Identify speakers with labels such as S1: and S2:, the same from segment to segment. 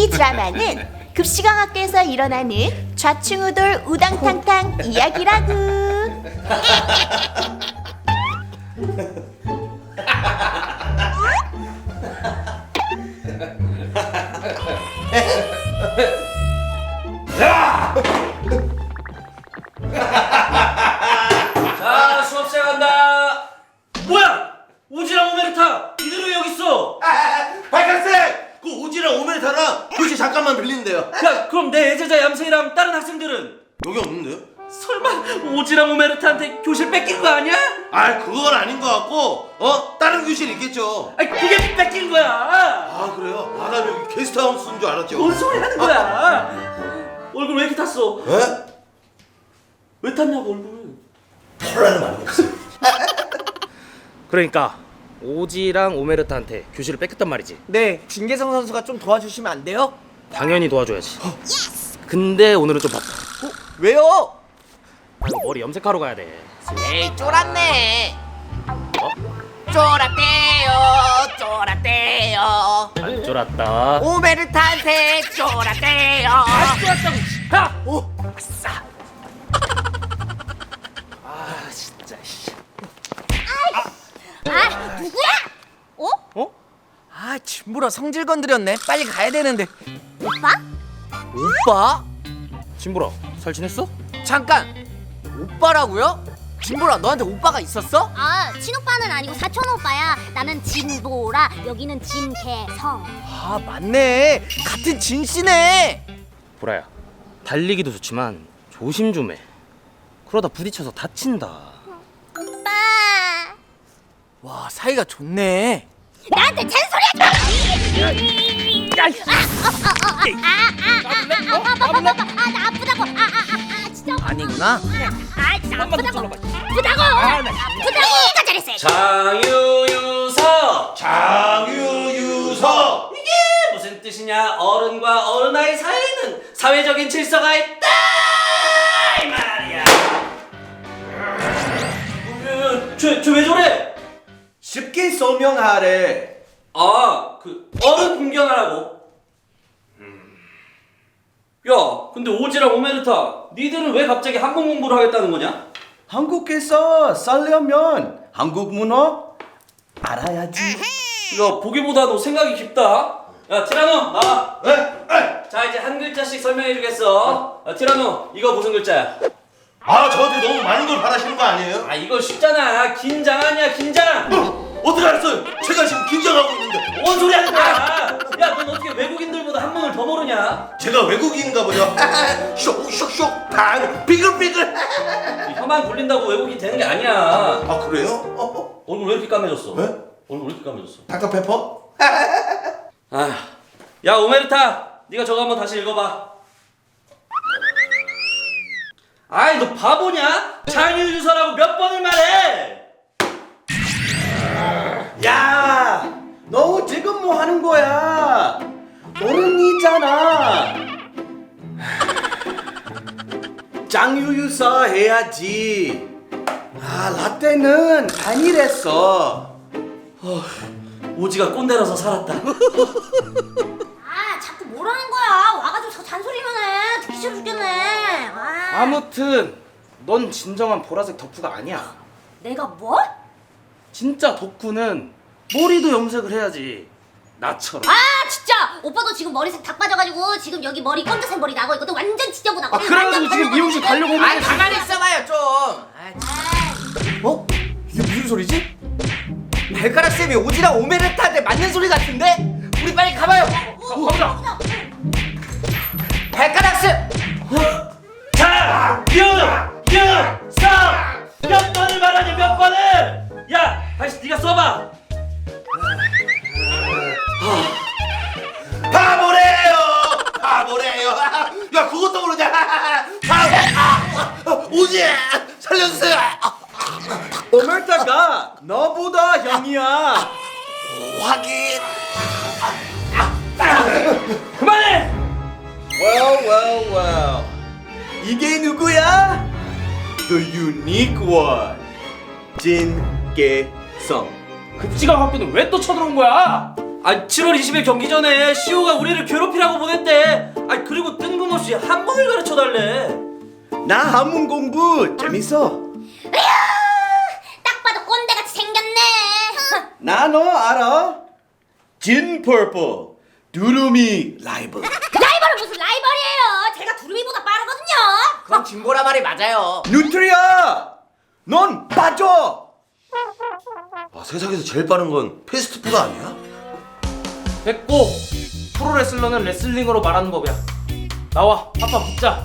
S1: 이 드라마는 급식왕학교에서 일어나는 좌충우돌 우당탕탕 이야기라구.
S2: 자, 수업 시작한다. 뭐야? 오지랑 오메르타 이대로 왜 여기 있어?
S3: 발칸쌤! 그 오지랑 오메르타랑 교실 잠깐만 빌리는데요.
S2: 야, 그럼 내 애제자 얌생이랑 다른 학생들은?
S3: 여기 없는데요?
S2: 설마 오지랑 오메르타한테 교실 뺏긴 거 아니야?
S3: 아, 그건 아닌 것 같고 다른 교실 있겠죠.
S2: 아니, 그게 뺏긴 거야.
S3: 아, 그래요? 아, 나 여기 게스트하우스인 줄 알았죠.
S2: 뭔 소리 하는 거야? 얼굴 왜 이렇게 탔어?
S3: 에?
S2: 왜 탔냐고 얼굴.
S3: 털나는 말이 없어.
S4: 그러니까 오지랑 오메르타한테 교실을 뺏겼단 말이지.
S5: 네, 진계성 선수가 좀 도와주시면 안 돼요?
S4: 당연히 도와줘야지. 근데 오늘은 좀 바빠.
S5: 왜요?
S4: 나 이거 머리 염색하러 가야 돼.
S5: 에이, 쫄았네. 쫄았대요.
S4: 안 쫄았다.
S5: 오메르타한테 쫄았대요.
S4: 쫄았다고. 야!
S5: 오,
S4: 아싸. 아 진짜. 씨.
S1: 아, 누구야? 어?
S4: 어?
S5: 아, 진보라 성질 건드렸네. 빨리 가야 되는데.
S1: 오빠?
S5: 오빠?
S4: 진보라 잘 지냈어?
S5: 잠깐. 오빠라고요? 진보라, 너한테 오빠가 있었어?
S6: 아, 친오빠는 아니고 사촌 오빠야. 나는 진보라, 여기는 진개성.
S5: 아, 맞네. 같은 진씨네.
S4: 보라야, 달리기도 좋지만 조심 좀 해. 그러다 부딪혀서 다친다.
S6: 오빠,
S5: 와, 사이가 좋네.
S6: 나한테 잔소리하지 마! 나 아프다고. 진짜.
S5: 아니구나.
S6: 진짜 아프다고. 아프다고. 네가 잘했어.
S2: 장유유서.
S3: 장유유서!
S2: 이게 무슨 뜻이냐? 어른과 어른아이 사이에는 사회적인 질서가 있다 이 말이야. 쟤왜 저래?
S3: 쉽게 설명하래.
S2: 아, 그 어른 공경하라고. 야, 근데 오지랑 오메르타, 니들은 왜 갑자기 한국 공부를 하겠다는 거냐?
S7: 한국에서 살려면 한국 문화 알아야지.
S2: 야, 보기보다 너 생각이 깊다. 야, 티라노 나와. 자, 이제 한 글자씩 설명해 주겠어. 야, 티라노, 이거 무슨 글자야?
S3: 아, 저한테 너무 많은 걸 바라시는 거 아니에요?
S2: 아, 이거 쉽잖아. 긴장 아니야, 긴장.
S3: 어떻게 알았어요? 제가 지금 긴장하고 있는데.
S2: 뭔 소리 하는 거야? 야, 넌 어떻게 외국인들보다 한문을 더 모르냐?
S3: 제가 외국인인가 보죠. 쇽쇽쇽 방 비글비글.
S2: 혀만 굴린다고 외국인 되는 게 아니야.
S3: 아, 그래요?
S2: 얼굴 왜 이렇게 까매졌어?
S3: 네?
S2: 얼굴 왜 이렇게 까매졌어?
S3: 닥터페퍼?
S2: 아, 야 오메르타, 네가 저거 한번 다시 읽어봐. 아이, 너 바보냐? 장유유서라고 몇 번을 말해?
S7: 야, 너 지금 뭐 하는 거야? 어른이잖아. 짱유유서 해야지. 아, 라떼는 아니랬어.
S2: 오지가 꼰대라서 살았다.
S6: 아, 자꾸 뭐라는 거야? 와가지고 저 잔소리만 해. 듣기 싫어 죽겠네. 아,
S4: 아무튼 넌 진정한 보라색 덕후가 아니야.
S6: 내가 뭐?
S4: 진짜 덕후는 머리도 염색을 해야지. 나처럼.
S6: 아, 진짜 오빠도 지금 머리색 다 빠져가지고 지금 여기 머리 검정색 머리 나고 있거든. 완전 지저분하고.
S4: 그래가지고 지금 미용실 가려고 오는
S5: 아,
S4: 거지.
S5: 가만히 있어봐요 좀. 어? 이게 무슨 소리지? 발가락 쌤이 오지랑 오메르타한테 맞는 소리 같은데? 우리 빨리 가봐요.
S4: 가보자.
S5: 발가락 쌤.
S2: 장유유서 몇 번을 말하니 몇 번을? 야, 다시 네가 써봐.
S3: 바보래요. 바보래요. 야, 그것도 모르냐? 바보. 오지 살려주세요.
S7: 오메르타가 너보다 형이야.
S3: 확인.
S2: 그만해.
S7: Well. 이게 누구야? The unique one. 진계성.
S4: 급식왕 학교는 왜 또 쳐들어온 거야?
S2: 아, 7월 20일 경기 전에 시호가 우리를 괴롭히라고 보냈대. 굳이 한문을 가르쳐 달래?
S7: 나 한문 공부 재밌어.
S6: 딱 봐도 꼰대같이 생겼네.
S7: 나 너 알아? 진 퍼플 두루미 라이벌.
S6: 라이벌은 무슨 라이벌이에요? 제가 두루미보다 빠르거든요.
S5: 그건 진보라 말이 맞아요.
S7: 누트리아, 넌 빠져.
S3: 아, 세상에서 제일 빠른 건 패스트푸드 아니야?
S4: 됐고, 프로레슬러는 레슬링으로 말하는 법이야. 나와, 아빠 붙자.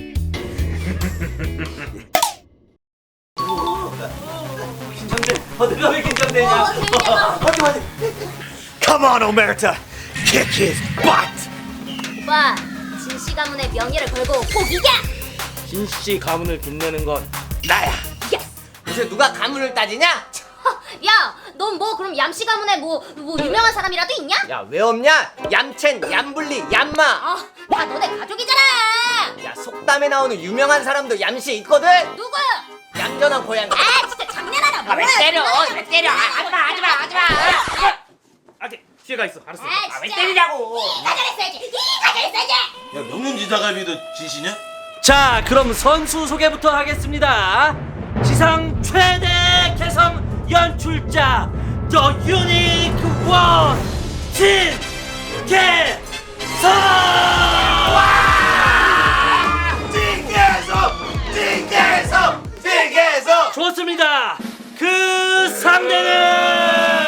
S2: 긴장돼. 내가 왜 긴장되냐?
S3: Come on, Omerta, kick his butt.
S6: 오빠, 진씨 가문의 명예를 걸고 꼭 이겨.
S4: 진씨 가문을 빛내는 건
S3: 나야.
S5: 요새 누가 가문을 따지냐?
S6: 야, 넌 뭐 그럼 얌씨 가문에 뭐 유명한 사람이라도 있냐?
S5: 야, 왜 없냐? 얌첸, 얌블리, 얌마.
S6: 다 너네 가족이잖아.
S5: 야, 속담에 나오는 유명한 사람도 얌씨 있거든.
S6: 누구?
S5: 얌전한 고양이.
S6: 아, 진짜 장난하나?
S5: 왜 때려? 왜 때려? 하지마.
S4: 아, 기회가 있어. 알았어.
S6: 왜 때리냐고? 네가 잘했어야지. 네가 잘했어야지.
S3: 야, 명륜지사갈비도 지시냐?
S2: 자, 그럼 선수 소개부터 하겠습니다. 지상 최대 개성 연출자 The Unique One 진개성.
S3: 띵계성.
S2: 좋습니다. 그 상대는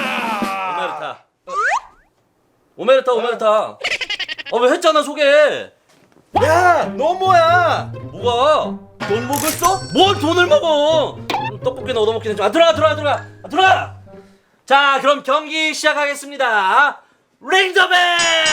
S2: 오메르타. 왜 했잖아 소개.
S7: 야, 너 뭐야?
S2: 뭐가?
S7: 돈 먹었어?
S2: 뭘 돈을 먹어? 떡볶이는 얻어먹긴 했지만 들어가. 자, 그럼 경기 시작하겠습니다. 링 더 벨.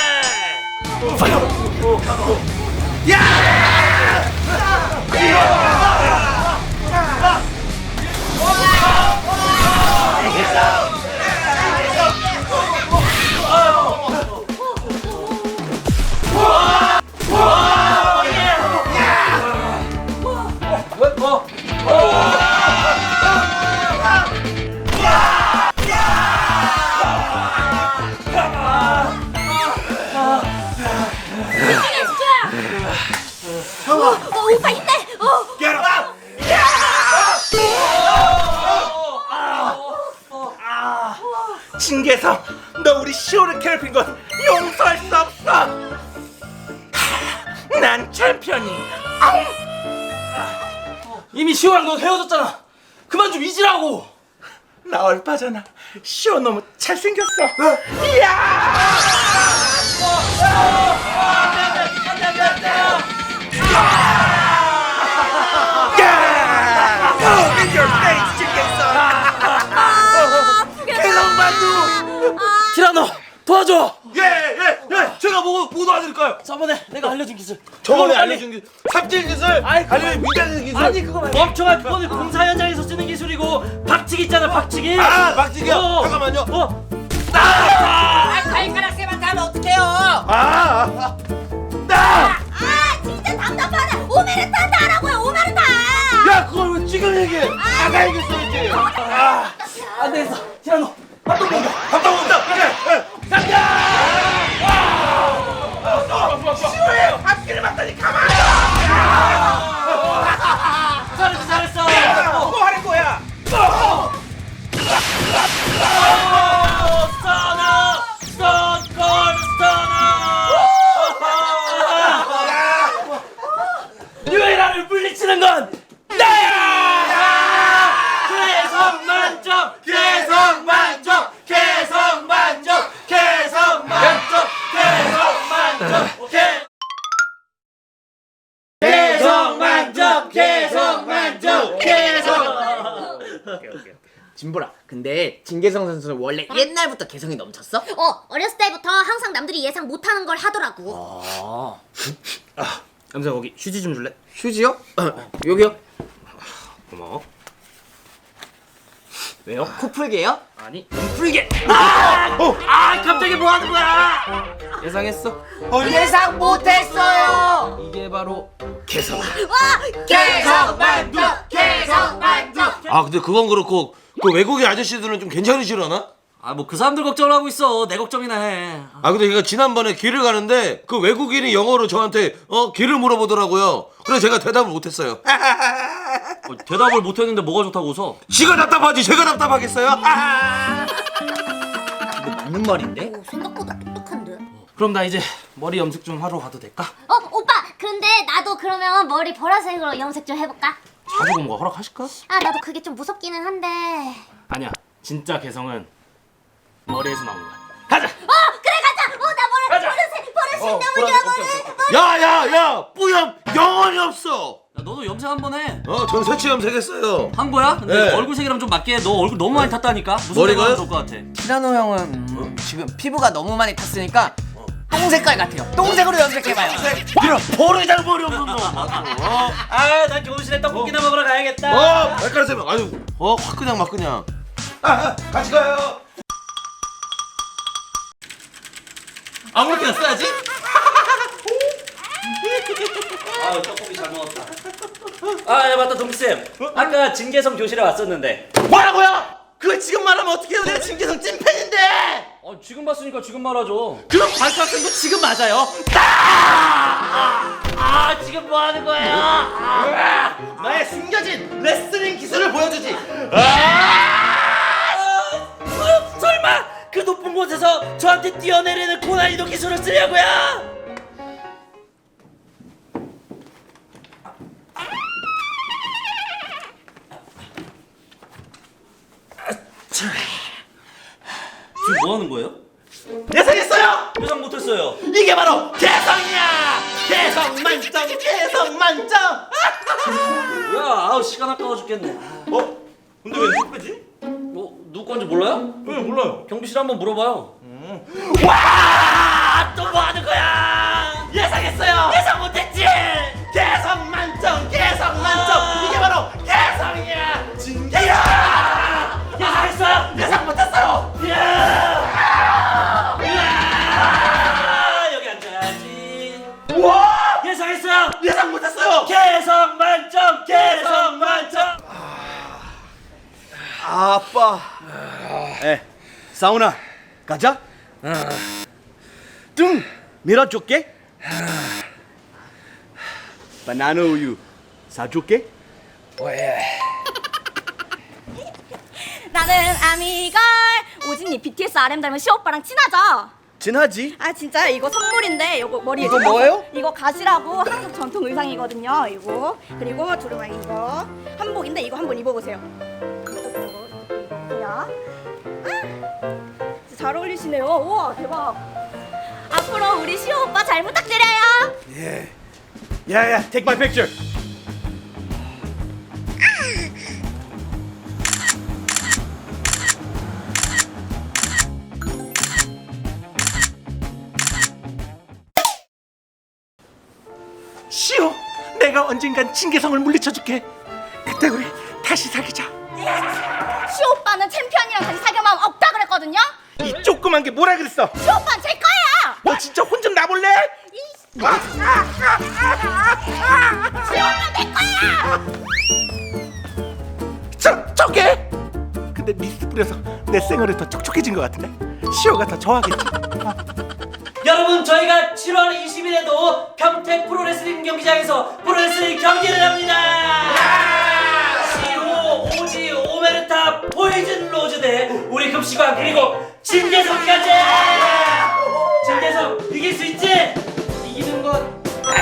S6: 오빠 힘내.
S3: 진계성, 너 우리 시호를 괴롭힌 건 용서할 수 없어. 난 챔피언이.
S2: 이미 시호랑 너 헤어졌잖아. 그만 좀 잊으라고.
S3: 나 얼빠잖아. 시호 너무 잘생겼어.
S2: 티라노 도와줘.
S3: 예, 제가 뭐 도와드릴까요?
S2: 저번에 내가 알려준 기술.
S3: 저번에
S2: 그걸
S3: 알려준 기술, 삽질 기술,
S2: 아이,
S3: 아니면 미장의 기술.
S2: 아니 그거 말고 멍청한 그거는 공사 현장에서 쓰는 기술이고 박치기 있잖아 박치기.
S3: 박치기요? 잠깐만요.
S5: 발가락 쌤한테 하면 어떡해요?
S6: 진짜 답답하다. 오메르타한테 하라고요. 오메르타.
S3: 야, 그걸 왜 지금 얘기해? 아까 얘기했어야지.
S2: 안 되겠어. 티라노
S3: 밥도 먹자. 그래. 시호예요. 앞길을 봤더니 가만히.
S2: 잘했어.
S3: 뭐 하는 거야?
S2: 유에라를 물리치는 건 나야! 개성 만점! 개성 만점! 개성 만점! 개성 만점! 개성 만점! 개성 만점! 개성 만점! 개성!
S5: 진보라, 근데 진계성 선수는 원래 옛날부터 개성이 넘쳤어?
S6: 어렸을 때부터 항상 남들이 예상 못하는 걸 하더라고.
S4: 남자 거기 휴지 좀 줄래?
S5: 휴지요? 여기요?
S4: 고마워.
S5: 왜요? 코 풀게요?
S4: 아니,
S2: 풀게! 갑자기 뭐 하는 거야?
S4: 예상했어.
S5: 예상 못했어요.
S4: 이게 바로
S5: 개성 만점.
S3: 근데 그건 그렇고 그 외국인 아저씨들은 좀 괜찮으시려나?
S2: 아 뭐 그 사람들 걱정을 하고 있어. 내 걱정이나 해.
S3: 아 근데 걔가 지난번에 길을 가는데 그 외국인이 영어로 저한테 길을 물어보더라고요. 그래서 제가 대답을 못했어요.
S2: 대답을 못했는데 뭐가 좋다고 웃어?
S3: 지가 답답하지 제가 답답하겠어요?
S5: 이거 맞는 말인데?
S6: 오, 생각보다 똑똑한데.
S4: 그럼 나 이제 머리 염색 좀 하러 가도 될까?
S6: 오빠, 근데 나도 그러면 머리 보라색으로 염색 좀 해볼까?
S4: 자주 고모가 허락하실까?
S6: 아, 나도 그게 좀 무섭기는 한데.
S4: 아니야, 진짜 개성은 머리에서 나오는 거야. 가자!
S6: 그래, 가자! 나 보라색 너무 좋아,
S3: 야야야 뿌염 영원히 없어.
S2: 야 너도 염색 한번 해.
S3: 전 새치 염색했어요.
S2: 한 거야? 근데
S3: 네.
S2: 얼굴색이랑 좀 맞게 해. 너 얼굴 너무 많이 탔다니까. 무슨
S3: 머리가요?
S2: 색깔 좋을 것 같아?
S5: 티라노 형은 지금 피부가 너무 많이 탔으니까 똥 색깔 같아요. 똥색으로 염색해봐요.
S3: 이런 버르장 머리 없는 놈.
S2: 아난 교실에 떡볶이나 먹으러 가야겠다.
S3: 발가락 세면 아유 확 그냥 막 그냥. 같이 가요.
S5: 아무렇게나 써야지.
S2: 아 떡볶이 잘 먹었다. 아 맞다 동기쌤. 아까 진계성 교실에 왔었는데.
S7: 뭐라고요? 그걸 지금 말하면 어떡해요? 내가 진계성 찐팬인데.
S2: 지금 봤으니까 지금 말하죠.
S7: 그럼 발가락쌤도 지금 맞아요.
S2: 지금 뭐 하는 거야?
S7: 나의 숨겨진 레슬링 기술을 보여주지.
S2: 설마 그 높은 곳에서 저한테 뛰어내리는 고난이도 기술을 쓰려고요? 지금 뭐 하는 거예요?
S7: 예상했어요.
S2: 예상 못했어요.
S7: 이게 바로 개성이야. 개성 만점, 개성 만점.
S2: 뭐야? 시간 아까워 죽겠네.
S7: 근데 왜 누구 빼지?
S2: 누구 건지 몰라요?
S7: 네, 몰라요.
S2: 경비실 한번 물어봐요.
S7: 와, 또 뭐 하는 거야? 예상했어요. 예상 못했지. 개성 만점, 개성 만점. 이게 바로 개성이야. 진개야. 예상했어요. 예상 못했어요.
S2: 여기 앉아야지.
S7: 와,
S2: 예상했어요.
S7: 예상 못했어요.
S2: 개성 만점, 개성 만점.
S7: 아빠. 사우나 가자. 등 밀어줄게. 바나나 우유 사줄게.
S1: 나는 아미걸. 오진이 BTS RM 닮은 시오빠랑 친하죠?
S7: 진하지?
S1: 아 진짜요? 이거 선물인데 이거 머리에
S7: 이거
S1: 좀
S7: 뭐예요?
S1: 이거 가지라고 한국 전통 의상이거든요. 이거 그리고 두루마기 이거 한복인데 이거 한번 입어보세요. 보세요. 진짜 잘 어울리시네요. 우와 대박. 앞으로 우리 시오 오빠 잘 부탁드려요.
S7: 야야, take my picture. 시오, 내가 언젠간 진계성을 물리쳐줄게. 그때 우리 다시 사귀자.
S1: 시오 오빠는 챔피언이랑 다시 사귈 마음 없다 그랬거든요.
S7: 이 조그만 게 뭐라 그랬어?
S1: 시오 오빠는 제 거예요.
S7: 너 진짜 혼 좀 나볼래?
S1: 시오 오빠 내 거야.
S7: 촉촉해? 근데 미스 뿌려서 내 생얼이 더 촉촉해진 것 같은데? 시오가 더 좋아하겠지?
S2: 여러분 저희가 7월 20일에도 평택 프로레슬링 경기장에서 프로레슬링 경기를 합니다. 시호, 오지, 오메르타, 포이즌 로즈 대 우리 급식왕 그리고 진계성까지. 진계성 이길 수 있지? 이기는 건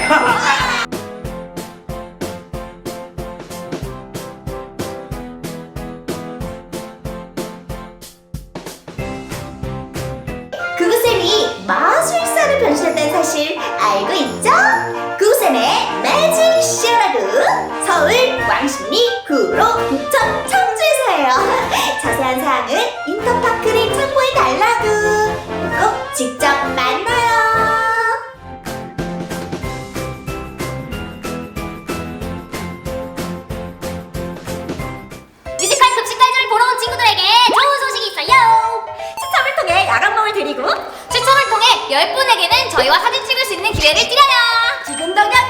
S1: 구구쌤이 마술사로 변신했다는 사실 알고 있죠? 구구쌤의 매직 쇼라고 서울 왕십리 구로 부천 청주에서예요. 자세한 사항은 인터파크를 참고해달라고. 꼭 직접 만나요.
S6: 뮤지컬 급식갈주를 보러 온 친구들에게 좋은 소식이 있어요.
S1: 추첨을 통해 야간봉을 드리고
S6: 추첨을 통해 10분에게는 저희와 사진 찍을 수 있는 기회를 드려요.
S1: 지금 당장